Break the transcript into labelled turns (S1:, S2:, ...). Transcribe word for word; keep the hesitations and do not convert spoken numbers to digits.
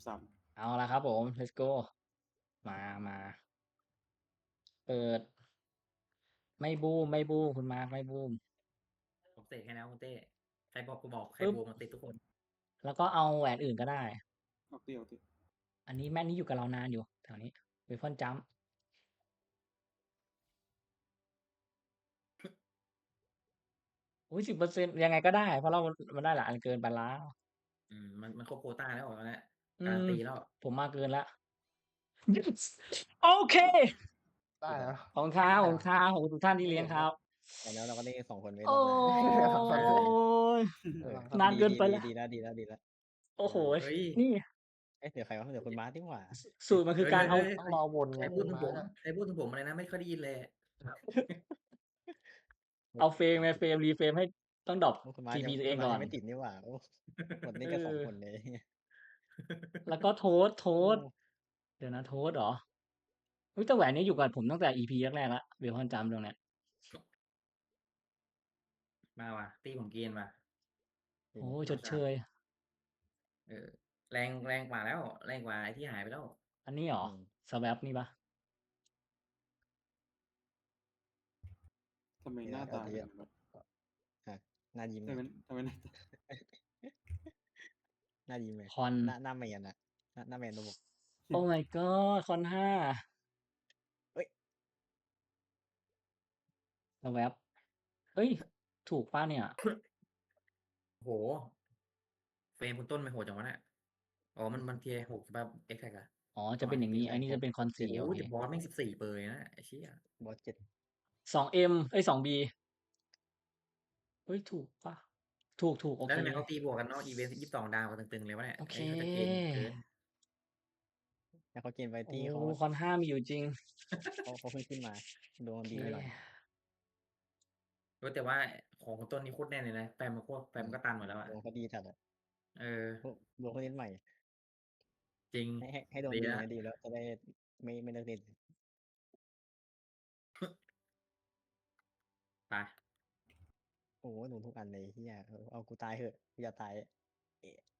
S1: สาม
S2: เอาละครับผม let's go มามาเปิด ไม่บูมไม่บูมคุณมาร์คไม่บูม
S3: ผมเตะให้แล้วคุณเต้ใครบอกกูบอกใคร
S2: ปึ๊บ
S3: บูมมาติดทุกคน
S2: แล้วก็เอาแหวนอื่นก็ได้
S1: ออกตีออกตี
S2: อันนี้แม่นนี้อยู่กับเรานานอยู่แถวนี้เวฟอนจัมอุ้ยสิบเปอร์เซ็นต์ยังไงก็ได้ เพราะเรามันได้หลายอันเกินไปแล้ว
S3: อืมมันมันครบโควต้าแล้วตอนนี้
S2: อื
S3: การัน
S2: ม
S3: ตีแล้ว
S2: ผมมาเกินแล้ว โอเค
S4: ได้แล้ว
S2: ขอบคุณครับขอบคุณครับขอบคุณทุกท่านที่เลี้ยงครับ
S5: แต่แล้วเราก็ได้สองคนไม่
S2: โอ้
S5: รอบหน้า
S2: ย
S5: เออน
S2: าน
S5: ดี
S2: เกิน
S5: ดี
S2: ไป
S5: ดี
S2: แล้ว
S5: ดีแล้วดีแล้วดีแล้ว
S2: โอ้โห
S3: เฮ้ย
S2: นี่
S5: เอ๊ะเดี๋ยวใครวะเดี๋ยวคุณมาร์คดีกว่า
S2: สูตรมันคือการเอา
S3: ฮ้ย
S4: ต้องรอวน
S3: ใค
S4: ไง
S3: รพูดถึงผม
S4: มาร์คอะ
S3: ใครพูดถึงผมอะไรนะไม่ค่อยได้ยินเลย
S2: เอาเฟรมไงเฟรมรีเฟรมให้ต้องดรอป
S5: โอ้คุณมาร์ค
S2: ที
S5: ยัง
S2: พี ตัวเอง
S5: คุณมา
S2: ก่
S5: ร์
S2: อ
S5: คน
S2: น
S5: ยังไม่ติดนี่หว่าโอ้หมดนี่
S2: เอ
S5: ก็สอง
S2: อ
S5: คนเลย
S2: แล้วก็โทสโท
S5: โอ้
S2: สเดี๋ยวนะโทสเหรออุ๊ยแต่แหวนนี้อยู่กับผมตั้งแต่ อี พี แรกๆแล้วเวลคอนจัมตรงเนี้ย
S3: มาว่ะตีผมเกณฑ์ว่ะ
S2: โอ้ชดเชย
S3: เออแรงแรงกว่าแล้ว แรงกว่าไอ้ที่หายไปแล้ว
S2: อันนี้เหรอ
S5: อืม
S2: สแวปนี่ปะ
S1: ทำไมหน้าตาเป็นอย่างนั้นวะ
S5: ฮะหน้ายิ้ม
S1: ทำไมทำไมหน้าตา
S5: หน้ายิ้มเลย
S2: คอน
S5: หน้าหน้าแมนอะหน้าหน้าแมนระบบ
S2: โอ้ my god คอนห้า
S5: เฮ้ย
S2: สแวปเฮ้ย ถูกป่ะเนี่ย
S3: โอ้โห เฟรมคุณต้นไม่โหดจังวะเนี่ยอ๋อมันมันเทียร์หกแบบเอ็กแท็กอะ
S2: อ๋อ จะเป็นอย่างนี้ อันนี้จะเป็นคอนสี่
S3: โอ้
S2: โอเค
S3: แต่บอสแม่งสิบสี่เปอร์เลยนะไอ้เชี่ย
S5: บอสเจ็ด
S2: สองเอ็มเอ้ยสองบีเฮ้ย ถูกป่ะ ถูกถูกโอ
S3: แล้ว
S2: เค
S3: ทำไมเขาตีบวกกันเนาะอีเวนต์ยี่สิบสองดาวกันตึงๆเลยวะเนี่ย
S2: โอเค
S3: ไอ้เขาจะเกณฑ์เกิน
S5: แล้วเขาเกณฑ์ไว
S2: โอ้
S5: ตี้เขา
S2: คอนห้ามีอยู่จริง
S5: เขาเขาเพิ่งขึ้นมาดวงดี
S2: โอ
S5: ไป
S2: เค
S5: หน่อย
S3: เว้ยแต่ว่าของคุณต้นนี่โคตรแน่นเลยนะแฟมมันโคตรแฟมก็ตันหมดแล้วอะ
S5: ดวงเขาดีจัดอะ
S3: เออ
S5: พวกดวงเขาเล่นใหม่
S3: จริง
S5: ให้ให้ให้ดวง
S3: ดี
S5: ดี
S3: แล้ว
S5: ให้ดีแล้วจะได้ไม่ไม่เลิกเล่น
S3: ไป
S5: โอ้โหหนูทุกอันเลยเฮียเอาเอากูตายเหอะกูอย่าตายเอ๊ะ